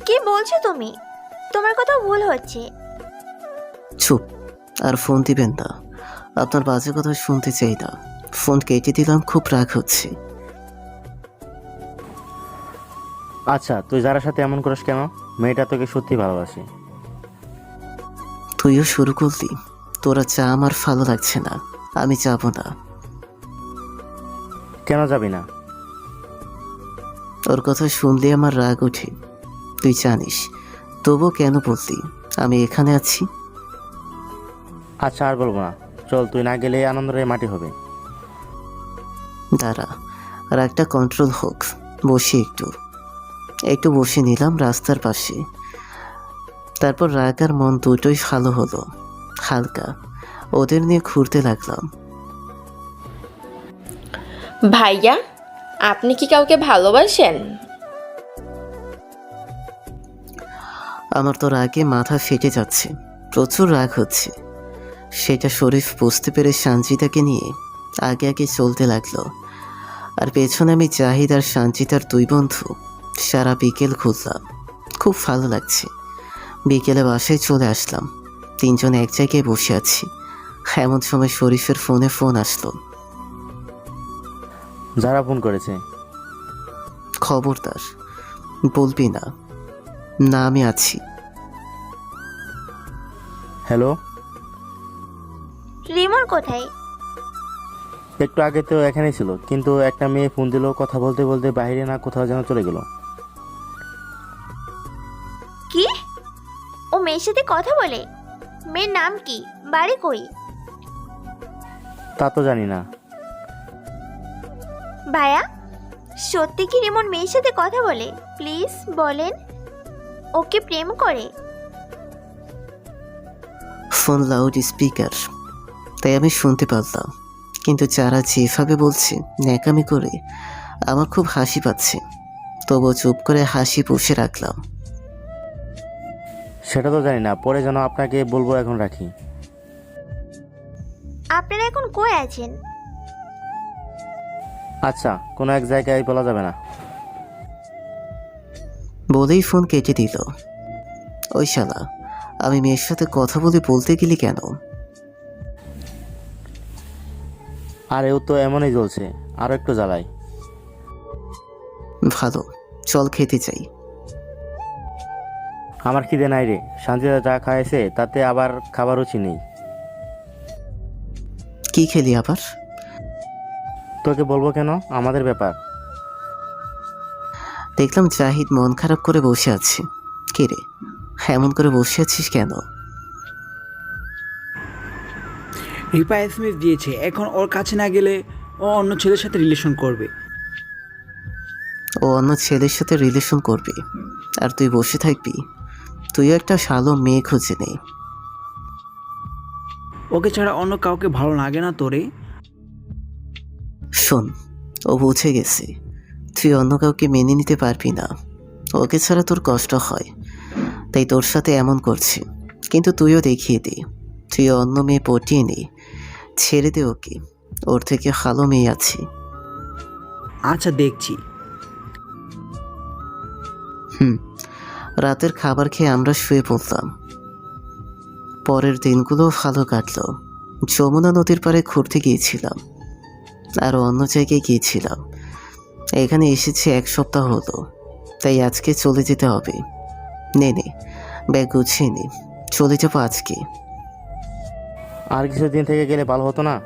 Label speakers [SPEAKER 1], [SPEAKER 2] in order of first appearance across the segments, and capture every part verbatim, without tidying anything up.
[SPEAKER 1] কি বলছো তুমি? তোমার কথা ভুল হচ্ছে।
[SPEAKER 2] চুপ। আর ফোন দিবেন না। আপনার বাজে কথা শুনতে চাই না। ফোন কেটে দিলাম, খুব রাগ হচ্ছে।
[SPEAKER 3] আচ্ছা, তুই যারার সাথে এমন করিস কেন? মেয়েটা তোকে সত্যি ভালোবাসে।
[SPEAKER 2] তুইও শুরু করলি। তোরা চা, আমার ভালো লাগছে না। আমি যাবো না।
[SPEAKER 3] কেন যাবি না?
[SPEAKER 2] ওর কথা শুনলে আমার রাগ ওঠে, তুই জানিস। তবুও কেন বললি আমি এখানে আছি?
[SPEAKER 3] আচ্ছা, আর বলবো না। চল, তুই না গেলে আনন্দের মাটি হবে।
[SPEAKER 2] দাঁড়া, আর একটা কন্ট্রোল হোক। বসি একটু। একটু বসে নিলাম রাস্তার পাশে। তারপর রাগ আর মন দুটোই ভালো হলো, হালকা। ওদের নিয়ে ঘুরতে লাগলাম।
[SPEAKER 4] ভাইয়া, আপনি কি কাউকে ভালোবাসেন?
[SPEAKER 2] আমার তো রাগে মাথা ফেটে যাচ্ছে, প্রচুর রাগ হচ্ছে। সেটা শরীফ বুঝতে পেরে সানজিদাকে নিয়ে আগে আগে চলতে লাগলো। আর পেছনে আমি জাহিদ আর সানজিদার দুই বন্ধু সারা বিকেল ঘুরলাম। খুব ভালো লাগছে। বিকেলে বাসায় চলে আসলাম। তিনজন এক জায়গায় বসে আছি। এমন সময় শরীফের ফোনে ফোন আসলো।
[SPEAKER 3] যারা ফোন করেছে?
[SPEAKER 2] খবরদার বলবি না। না, আমি আছি।
[SPEAKER 3] হ্যালো।
[SPEAKER 1] রিমন কোথায়?
[SPEAKER 3] একটু আগে তো এখানেই ছিল, কিন্তু একটা মেয়ে ফোন দিল, কথা বলতে বলতে বাইরে না কোথাও যেন চলে গেল।
[SPEAKER 1] কি? ও মেয়ের সাথে কথা বলে? মেয়ের নাম কি? বাড়ি কই?
[SPEAKER 3] তা তো জানি না।
[SPEAKER 1] ভাইয়া, সত্যি কি রিমন মেয়ের সাথে কথা বলে? প্লিজ বলেন। ওকে প্রেম করে?
[SPEAKER 2] ফোন লাউড স্পিকার, তাই আমি শুনতে পারলাম। কিন্তু যারা যেভাবে বলছে ন্যাকামি করে, আমার খুব হাসি পাচ্ছে। তবুও চুপ করে হাসি পুষে রাখলাম।
[SPEAKER 3] সেটা তো জানি না, পরে যেন আপনাকে বলবো, এখন রাখি।
[SPEAKER 1] আপনারা এখন কই আছেন?
[SPEAKER 3] আচ্ছা, কোনো এক জায়গায় বলা যাবে না।
[SPEAKER 2] বলেই ফোন কেটে দিল। ওই শালা, আমি মেয়ের সাথে কথা বলে বলতে গেলি কেন?
[SPEAKER 3] আর এও তো এমনই জ্বলছে, আরও একটু জ্বালাই।
[SPEAKER 2] ভালো, চল খেতে চাই।
[SPEAKER 3] আমার খিদে নাই রে। শান্তিতে যা খাইছে তাতে আবার খাবার রুচি নেই।
[SPEAKER 2] কি খেলি আবার?
[SPEAKER 3] তোকে বলবো কেন? আমাদের ব্যাপার।
[SPEAKER 2] দেখলাম জাহিদ মন খারাপ করে বসে আছে। কে রে, এমন করে বসে আছিস কেন?
[SPEAKER 5] রিপা এসএমএস দিয়েছে, এখন ওর কাছে না গেলে ও অন্য ছেলের সাথে রিলেশন করবে।
[SPEAKER 2] ও অন্য ছেলের সাথে রিলেশন করবি আর তুই বসে থাকবি? তুইও একটা শালো মেয়ে খুঁজে নে।
[SPEAKER 5] ওকে ছাড়া অন্য কাউকে ভালো লাগে না তোরে?
[SPEAKER 2] শোন, ও বুঝে গেছে তুই অন্য কাউকে মেনে নিতে পারবি না। ওকে ছাড়া তোর কষ্ট হয়, তাই তোর সাথে এমন করছে। কিন্তু তুইও দেখিয়ে দে, তুই অন্য মেয়ে পটিয়ে নে। ছেড়ে দে ওকে, ওর থেকে ভালো মেয়ে আছে।
[SPEAKER 5] আচ্ছা, দেখছি।
[SPEAKER 2] হুম। রাতের খাবার খেয়ে আমরা শুয়ে পড়লাম। পরের দিনগুলো ভালো কাটলো। যমুনা নদীর পাড়ে ঘুরতে গিয়েছিলাম, আর অন্য জায়গায় গিয়েছিলাম। এখানে এসেছি এক সপ্তাহ হলো, তাই আজকে চলে যেতে হবে। নে নে, ব্যাগ গুছিয়ে নে, চলে যাবো আজকে।
[SPEAKER 3] আর কিছুদিন থেকে গেলে ভালো হতো না?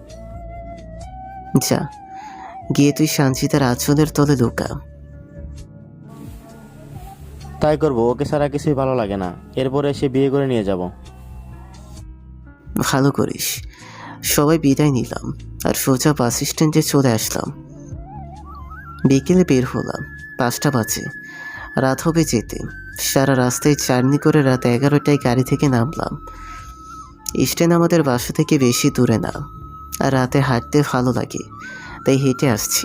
[SPEAKER 2] যা, গিয়ে তুই সানজিদার আঁচলের তলে লুকা।
[SPEAKER 3] তাই করবো, ওকে ছাড়া কিছুই ভালো লাগে না। এরপরে সে বিয়ে করে নিয়ে যাব।
[SPEAKER 2] ভালো করিস। সবাই বিদায় নিলাম আর সোজা বাস স্ট্যান্ডে চলে আসলাম। বিকেলে বের হলাম, পাঁচটা বাজে। রাত হবে যেতে। সারা রাস্তায় জার্নি করে রাত এগারোটায় গাড়ি থেকে নামলাম। স্ট্যান্ড আমাদের বাসা থেকে বেশি দূরে না, আর রাতে হাঁটতে ভালো লাগে, তাই হেঁটে আসছি।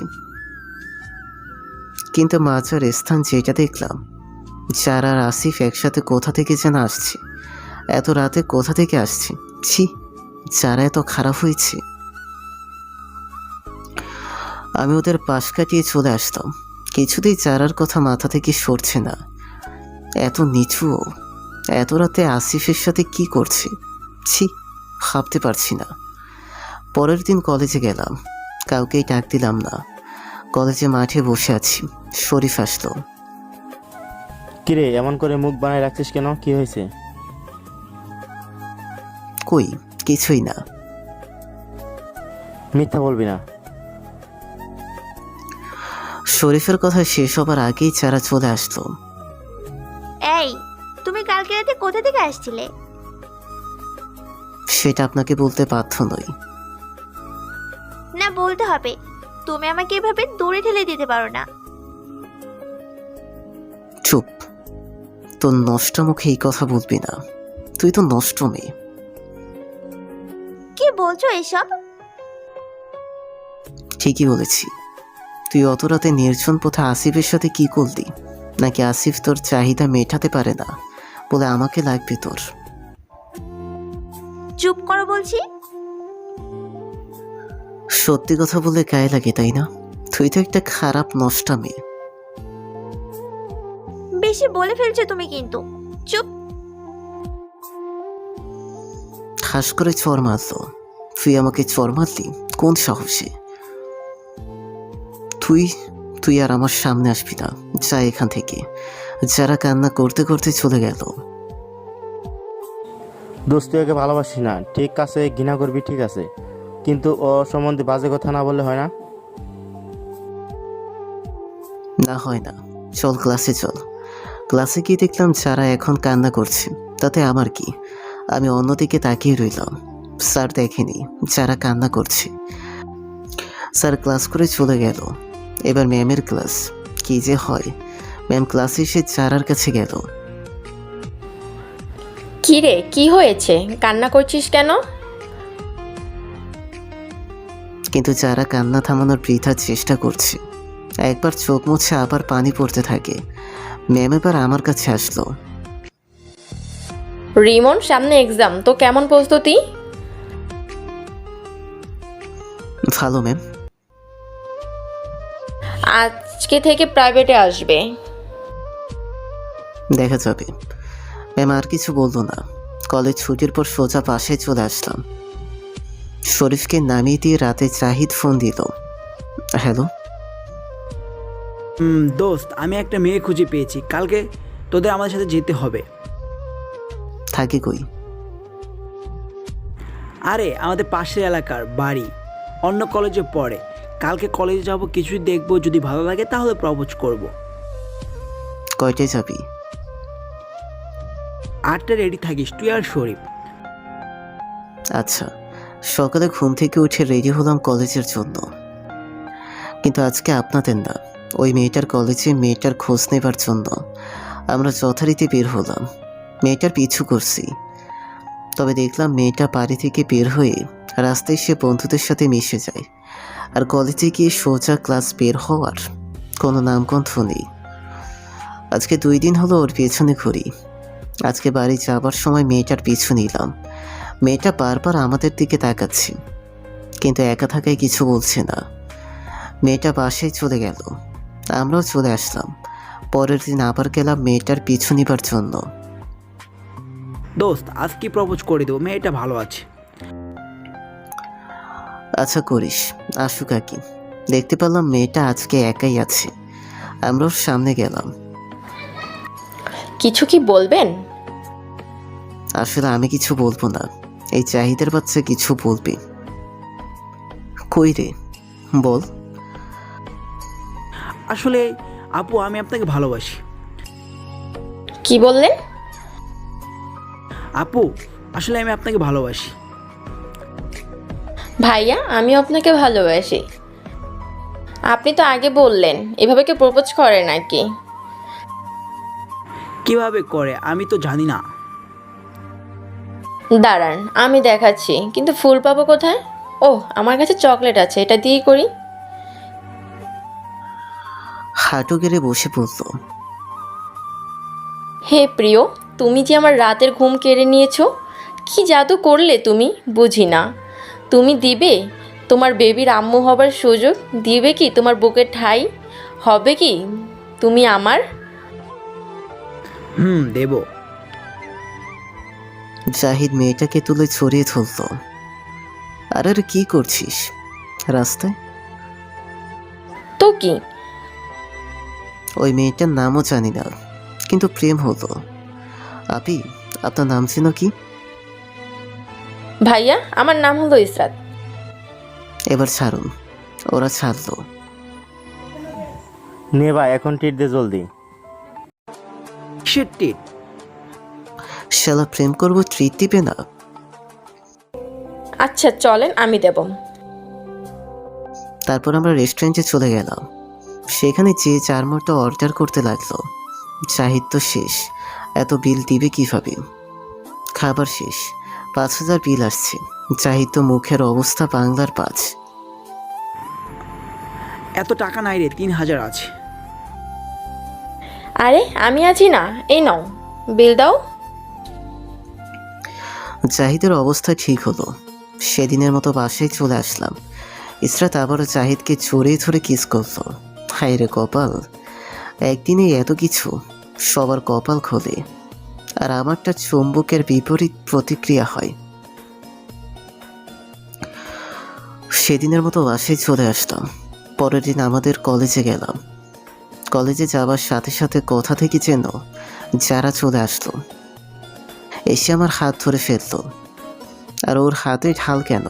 [SPEAKER 2] কিন্তু মাঝার স্থান যেটা দেখলাম, যারা আর আসিফ একসাথে কোথা থেকে যেন আসছে। এত রাতে কোথা থেকে আসছে? ছি, যারা এত খারাপ হয়েছে। আমি ওদের পাশ কাটিয়ে চলে আসতাম। কিছুতেই চারার কথা মাথা থেকে সরছে না। এত নিচুও, এত রাতে আসিফের সাথে কি করছে? ছি, ভাবতে পারছি না। পরের দিন কলেজে গেলাম, কাউকেই ডাক দিলাম না। কলেজে মাঠে বসে আছি, শরীফ আসলো।
[SPEAKER 3] কিরে এমন করে মুখ বানায় রাখছিস কেন, কি হয়েছে?
[SPEAKER 2] কই, কিছুই না।
[SPEAKER 3] মিথ্যা বলবি না।
[SPEAKER 2] শরীফের কথা শেষ হবার আগেই চারা চলে আসলো।
[SPEAKER 1] এই, তুমি কালকে রাতে কোথা থেকে আসছিলে?
[SPEAKER 2] সেটা আপনাকে বলতে বাধ্য নই।
[SPEAKER 1] না, বলতে হবে। তুমি আমাকে এভাবে দূরে ঠেলে দিতে পারো না।
[SPEAKER 2] চুপ, তোর নষ্ট মুখে এই কথা বলবি না। তুই তো নষ্ট মেয়ে।
[SPEAKER 1] কি বলছো এসব?
[SPEAKER 2] ঠিকই বলেছি। তুই অত রাতে নির্জন পথে আসিফের সাথে কি করলি? নাকি আসিফ তোর চাহিদা মেটাতে পারে না বলে আমাকে লাগবে তোর?
[SPEAKER 1] চুপ করো বলছি।
[SPEAKER 2] সত্যি কথা বলে গায়ে লাগে, তাই না? তুই তো একটা খারাপ নষ্টা মেয়ে।
[SPEAKER 1] বেশি বলে ফেলছো তুমি কিন্তু। চুপ।
[SPEAKER 2] ঠাস করে চর মারলো। তুই আমাকে চর মারলি কোন সাহসে? তুই তুই আর আমার সামনে আসবি না, যা এখান থেকে। যারা কান্না করতে করতে চলে গেল।
[SPEAKER 3] দোস্ত, তুই ওকে ভালোবাসিস না, ঠিক আছে, ঘৃণা করবি, ঠিক আছে, কিন্তু ও সম্বন্ধে বাজে কথা না বললে হয় না?
[SPEAKER 2] না হয় না, চল ক্লাসে চল। ক্লাসে গিয়ে দেখলাম যারা এখন কান্না করছে, তাতে আমার কি? আমি অন্যদিকে তাকিয়ে রইলাম। স্যার দেখেনি যারা কান্না করছে। স্যার ক্লাস করে চলে গেল। এবার ম্যামের ক্লাস। কি যে হয়! ম্যাম ক্লাসে এসে চারার কাছে গেল।
[SPEAKER 4] কি রে, কি হয়েছে? কান্না করছিস কেন?
[SPEAKER 2] কিন্তু যারা কান্না থামানোর বৃথা চেষ্টা করছে। একবার চোখ মুছে আবার পানি পড়তে থাকে। ম্যাম এবার আমার কাছে আসলো।
[SPEAKER 4] রিমন, সামনে এক্সাম, তো কেমন প্রস্তুতি?
[SPEAKER 2] ভালো ম্যাম।
[SPEAKER 4] আজকে থেকে প্রাইভেটে আসবে।
[SPEAKER 2] দেখা যাবে। ম্যাম আর কিছু বললো না। কলেজ ছুটির পর সোজা পাশে চলে আসলাম। শরীফকে নামিয়ে দিয়ে রাতে জাহিদ ফোন দিল। হ্যালো।
[SPEAKER 5] হুম, দোস্ত, আমি একটা মেয়ে খুঁজে পেয়েছি। কালকে তোদের আমাদের সাথে যেতে হবে।
[SPEAKER 2] থাকে কই?
[SPEAKER 5] আরে, আমাদের পাশের এলাকার বাড়ি, অন্য কলেজে পড়ে। কালকে কলেজে যাব, কিছুই দেখবো, যদি ভালো লাগে তাহলে প্রপোজ করব।
[SPEAKER 2] কয়টায় যাবি?
[SPEAKER 5] আটটা রেডি থাকিস, তুই আর শরীফ।
[SPEAKER 2] আচ্ছা। সকালে ঘুম থেকে উঠে রেডি হলাম কলেজের জন্য। কিন্তু আজকে আপনাদের না, ওই মেয়েটার কলেজে মেয়েটার খোঁজ নেবার জন্য আমরা যথারীতি বের হলাম। মেয়েটার পিছু করছি। তবে দেখলাম মেয়েটা বাড়ি থেকে বের হয়ে রাস্তায় সে বন্ধুদের সাথে মিশে যায়। আর কলেজে গিয়ে সোজা ক্লাস বের হওয়ার কোনো নামগন্ধ নেই। আজকে দুই দিন হলো ওর পেছনে ঘুরি। আজকে বাড়ি যাবার সময় মেয়েটার পিছু নিলাম। মেয়েটা বারবার আমাদের দিকে তাকাচ্ছে, কিন্তু একা থাকায় কিছু বলছে না। মেয়েটা বাসায় চলে গেল, আমরাও চলে আসলাম। পরের দিন আবার গেলাম মেয়েটার পিছু নিবার জন্য।
[SPEAKER 5] দোস্ত, আজকে প্রপোজ করে দেবো, মেয়েটা ভালো আছে।
[SPEAKER 2] আচ্ছা করিস, আসুক আকি। দেখতে পেলাম মেয়েটা আজকে একাই আছে। আমরা ওর সামনে গেলাম।
[SPEAKER 4] কিছু কি বলবেন?
[SPEAKER 2] আসলে আমি কিছু বলবো না, এই চাহিদার বাচ্চা কিছু বলবে। কই রে, বল।
[SPEAKER 5] আসলে আপু, আমি আপনাকে ভালোবাসি।
[SPEAKER 4] কি বললেন?
[SPEAKER 5] আপু, আসলে আমি আপনাকে ভালোবাসি।
[SPEAKER 4] ভাইয়া, আমিও আপনাকে ভালোবাসি। আপনি তো আগে বললেন, এভাবে কেউ প্রপোজ করে নাকি?
[SPEAKER 5] কিভাবে করে আমি তো জানি না।
[SPEAKER 4] দাঁড়ান, আমি দেখাচ্ছি, কিন্তু ফুল পাবো কোথায়? ও, আমার কাছে চকলেট আছে, এটা দিয়ে করি।
[SPEAKER 2] হাঁটু গেড়ে বসে পড়ল।
[SPEAKER 4] হে প্রিয়, তুমি যে আমার রাতের ঘুম কেড়ে নিয়েছো। কি জাদু করলে তুমি, বুঝি না। তুমি দিবে তোমার বেবির আম্মু হবার সুযোগ? দিবে কি তোমার বুকের ঠাই? হবে কি তুমি আমার?
[SPEAKER 5] হুম দেব।
[SPEAKER 2] জাহিদ মেয়েটাকে তুলে ছড়িয়ে ধরল। আর আর কি করছিস রাস্তায়?
[SPEAKER 4] তো কি?
[SPEAKER 2] ওই মেয়েটার নামও জানি না, কিন্তু প্রেম হলো। আপি, আপনার নাম ছিল কি?
[SPEAKER 4] ভাইয়া, আমার নাম হলো ইসরাত।
[SPEAKER 2] এবার ছাড়ুন। ওরা ছাড়লো।
[SPEAKER 3] নে ভাই, এখন টিট দে জলদি।
[SPEAKER 5] কিসের টিট?
[SPEAKER 2] শালা প্রেম করবো ট্রিট দিবে না?
[SPEAKER 4] আচ্ছা চলেন, আমি দেব।
[SPEAKER 2] তারপর আমরা রেস্টুরেন্টে চলে গেলাম। সেখানে যে চার মোটা অর্ডার করতে লাগলো। জাহিদ তো শেষ, এত বিল দিবে কিভাবে? খাবার শেষ, পাঁচ হাজার বিল আসছে। জাহিদ তো মুখের অবস্থা বাংলার পাঁচ।
[SPEAKER 5] এত টাকা নাই রে, তিন হাজার আছে।
[SPEAKER 4] আরে আমি আছি না, এই নাও বিল দাও।
[SPEAKER 2] জাহিদের অবস্থা ঠিক হলো। সেদিনের মতো বাসায় চলে আসলাম। ইসরাত আবারও জাহিদকে জড়িয়ে ধরে কিস করলো। হায় রে কপাল, একদিনে এত কিছু। সবার কপাল খোলে, আর আমারটা চুম্বকের বিপরীত প্রতিক্রিয়া হয়। সেদিনের মতো বাসায় চলে আসলাম। পরের দিন আমাদের কলেজে গেলাম। কলেজে যাওয়ার সাথে সাথে কোথা থেকে যেন যারা চলে আসলো, এসে আমার হাত ধরে ফেললো। আর ওর হাতে ঢাল কেন?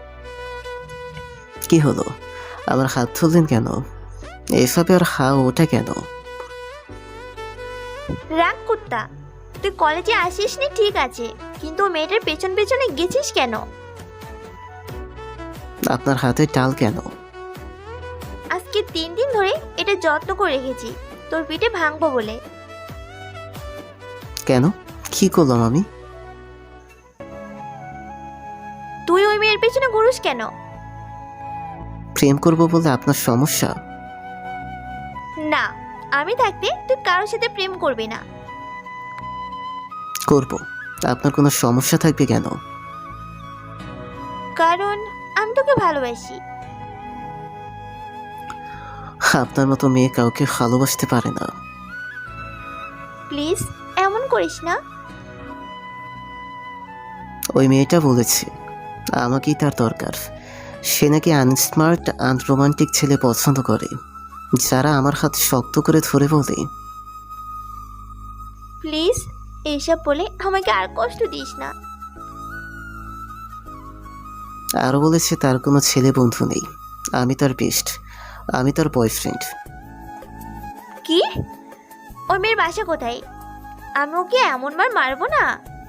[SPEAKER 2] কি হলো? আমার হাত ধরলেন কেন? এভাবে আর হা ওটা কেন?
[SPEAKER 1] রাগ কুত্তা, তুই কলেজে আসিস নি ঠিক আছে, কিন্তু ও মেয়েটার পেছন পেছনে গেছিস কেন?
[SPEAKER 2] আপনার হাতে ডাল কেন?
[SPEAKER 1] আজকে তিন দিন ধরে এটা যত্ন করে রেখেছি তোর পিঠে ভাঙবো বলে।
[SPEAKER 2] কেন? কি করলাম আমি?
[SPEAKER 1] তুই ওই মেয়ের পেছনে ঘুরুস কেন?
[SPEAKER 2] প্রেম করবো বলে আপনার সমস্যা?
[SPEAKER 1] না, আমি থাকতে তুই কারোর সাথে প্রেম করবি না।
[SPEAKER 2] করব। আপনার কোনো সমস্যা থাকবে কেন?
[SPEAKER 1] কারণ আমি তোকে ভালোবাসি।
[SPEAKER 2] আপনার মতো মেয়ে কাউকে ভালোবাসতে পারে না।
[SPEAKER 1] প্লিজ এমন করিস না।
[SPEAKER 2] ওই মেয়েটা বলেছে আমাকেই তার দরকার। সে নাকি আনস্মার্ট আনরোমান্টিক ছেলে পছন্দ করে, যারা আমার হাত শক্ত করে ধরে বলে।
[SPEAKER 1] প্লিজ এইসব বলে আমাকে আর কষ্ট দিস না।
[SPEAKER 2] আরও বলেছে তার কোনো ছেলে বন্ধু নেই, আমি তার বেস্ট, আমি তার বয়ফ্রেন্ড।
[SPEAKER 1] কি? ওই মেয়ের বাসা কোথায়? আমি ওকে এমন মার মারবো না।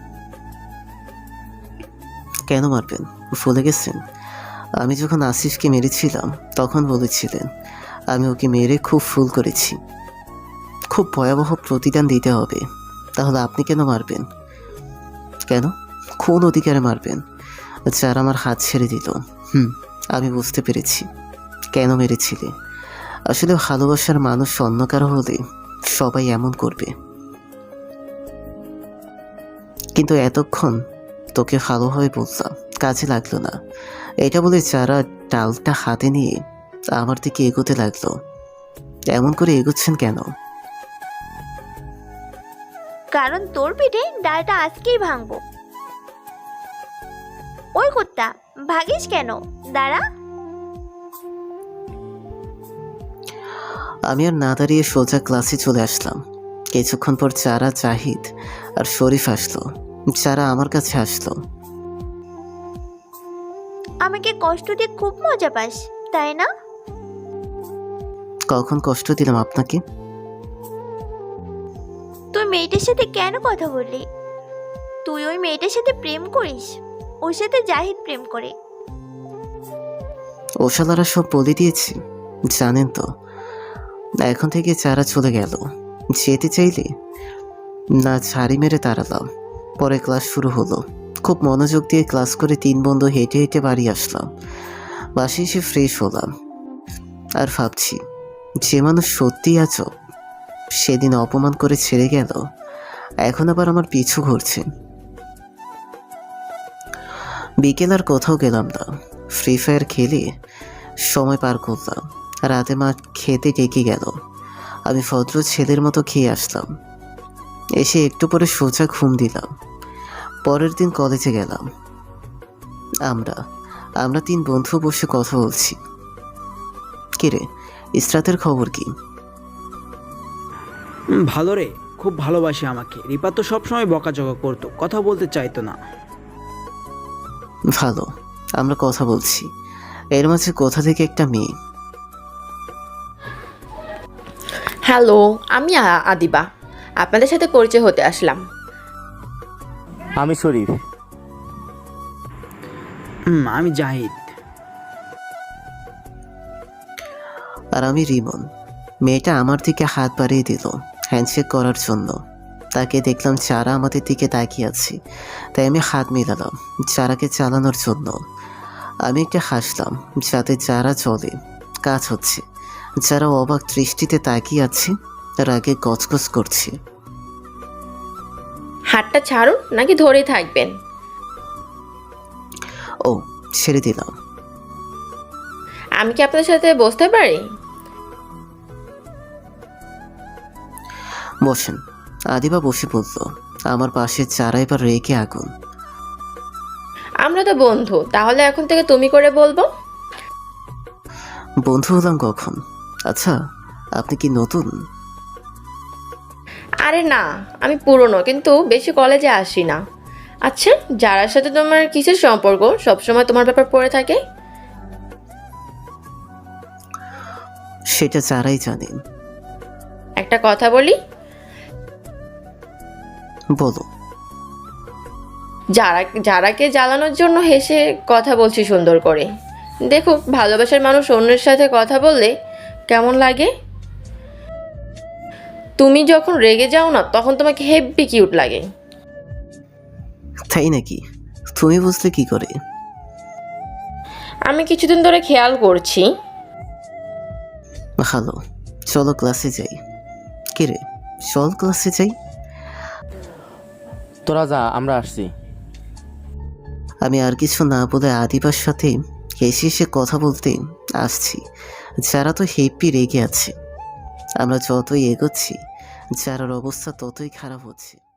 [SPEAKER 2] কেন মারবেন? ভুলে গেছেন আমি যখন আসিফকে মেরেছিলাম তখন বলেছিলেন আমি ওকে মেরে খুব ফুল করেছি। খুব ভয়াবহ প্রতিদান দিতে হবে। তাহলে আপনি কেন মারবেন? কেন? কোন অধিকারে মারবেন? যার আমার হাত ছেড়ে দিল। হুম, আমি বুঝতে পেরেছি কেন মেরেছিলে। আসলে ভালোবাসার মানুষ অন্য কারো হলে সবাই এমন করবে। কিন্তু এতক্ষণ তোকে ভালোভাবে বললাম, কাজে লাগলো না। এটা বলে যারা ডালটা হাতে নিয়ে আমার দিকে এগোতে লাগলো। এমন করে এগোচ্ছেন কেন?
[SPEAKER 1] কারণ তোর পিঠে ডালটা আজকেই ভাঙবো। ওই কুত্তা, ভাগিস কেন? দাঁড়া।
[SPEAKER 2] আমি আর না দাঁড়িয়ে সোজা ক্লাসে চলে আসলাম। কিছুক্ষণ পর যারা, জাহিদ আর শরীফ আসলো। যারা আমার কাছে আসলো।
[SPEAKER 1] আমাকে কষ্ট দিয়ে খুব মজা পাস, তাই না?
[SPEAKER 2] কখন কষ্ট দিলাম আপনাকে?
[SPEAKER 1] তুই মেয়েটার সাথে কেন কথা বললি? তুই ওই মেয়েটার সাথে প্রেম করিস, ওর সাথে জাহিদ প্রেম করে।
[SPEAKER 2] ওশালারা সব বলে দিয়েছি, জানেন তো। এখন থেকে যারা চলে গেল। যেতে চাইলে না ঝাড়ি মেরে তাড়ালাম। পরে ক্লাস শুরু হলো। খুব মনোযোগ দিয়ে ক্লাস করে তিন বন্ধু হেঁটে হেঁটে বাড়ি আসলাম। বাসে এসে ফ্রেশ হলাম আর ভাবছি, যে মানুষ সত্যিই আছো, সেদিন অপমান করে ছেড়ে গেল, এখন আবার আমার পিছু ঘুরছে। বিকেল আর কোথাও গেলাম না, ফ্রি ফায়ার খেলে সময় পার করলাম। রাতে মা খেতে ডেকে গেল, আমি ভদ্র ছেলের মতো খেয়ে আসলাম। এসে একটু পরে সোজা ঘুম দিলাম। পরের দিন কলেজে গেলাম। আমরা আমরা তিন বন্ধু বসে কথা বলছি। কিরে, ইসরাতের খবর কি?
[SPEAKER 5] হুম, ভালো রে, খুব ভালোবাসে আমাকে। রিপা তো সবসময় বকাঝকা করতো, কথা বলতে চাইতো না।
[SPEAKER 2] ভালো, আমরা কথা বলছি। এর মাঝে কোথা থেকে একটা মেয়ে।
[SPEAKER 4] হ্যালো, আমি আ- আদিবা। আপনাদের সাথে পরিচয় হতে আসলাম।
[SPEAKER 3] আমি শরীফ।
[SPEAKER 5] হুম, আমি জাহিদ।
[SPEAKER 2] আর আমি রিমন। মেয়েটা আমার দিকে হাত বাড়িয়ে দিল হ্যান্ডশেক করার জন্য। তাকে দেখলাম চারা আমাদের দিকে তাকিয়ে আছে, তাই আমি হাত মেলালাম চারাকে চালানোর জন্য। আমি একটা হাসলাম যাতে চারা চলে। কাজ হচ্ছে। যারা অবাক দৃষ্টিতে তাকিয়ে আছে, রাগে গজগজ করছে।
[SPEAKER 4] হাতটা ছাড়ুন নাকি ধরেই থাকবেন?
[SPEAKER 2] ও, ছেড়ে দিলাম।
[SPEAKER 4] আমি কি আপনাদের সাথে বসতে পারি?
[SPEAKER 2] বসেন। আদিবা বসে পড়ল আমার পাশে। চারা এবার রেগে আগুন।
[SPEAKER 4] আমরা তো বন্ধু, তাহলে এখন থেকে তুমি করে বলবো।
[SPEAKER 2] বন্ধু হলাম কখন? আচ্ছা, আপনি কি নতুন?
[SPEAKER 4] আরে না, আমি পুরনো, কিন্তু বেশি কলেজে আসি না। আচ্ছা, যারার সাথে তোমার কিসের সম্পর্ক সবসময় তোমার ব্যাপার পড়ে থাকে?
[SPEAKER 2] সেটা চারাই জানেন।
[SPEAKER 4] একটা কথা বলি,
[SPEAKER 2] বলো।
[SPEAKER 4] যারা যারাকে জ্বালানোর জন্য হেসে কথা বলছি সুন্দর করে। দেখো, ভালোবাসার মানুষ অন্যের সাথে কথা বললে কেমন লাগে। তুমি যখন রেগে যাও না, তখন তোমাকে হেব্বি কিউট লাগে।
[SPEAKER 2] তাই নাকি? তুমি বুঝলে কি করে?
[SPEAKER 4] আমি কিছুদিন ধরে খেয়াল করছি।
[SPEAKER 2] ভালো, চলো ক্লাসে যাই। কিরে, চল ক্লাসে যাই।
[SPEAKER 3] তোরা যা, আমরা আসছি।
[SPEAKER 2] আমি আর কিছু না বলে আদিবার সাথে হেসে হেসে কথা বলতে আসছি। যারা তো হেপি রেগে আছে। আমরা যতই এগোচ্ছি, যারার অবস্থা ততই খারাপ হচ্ছে।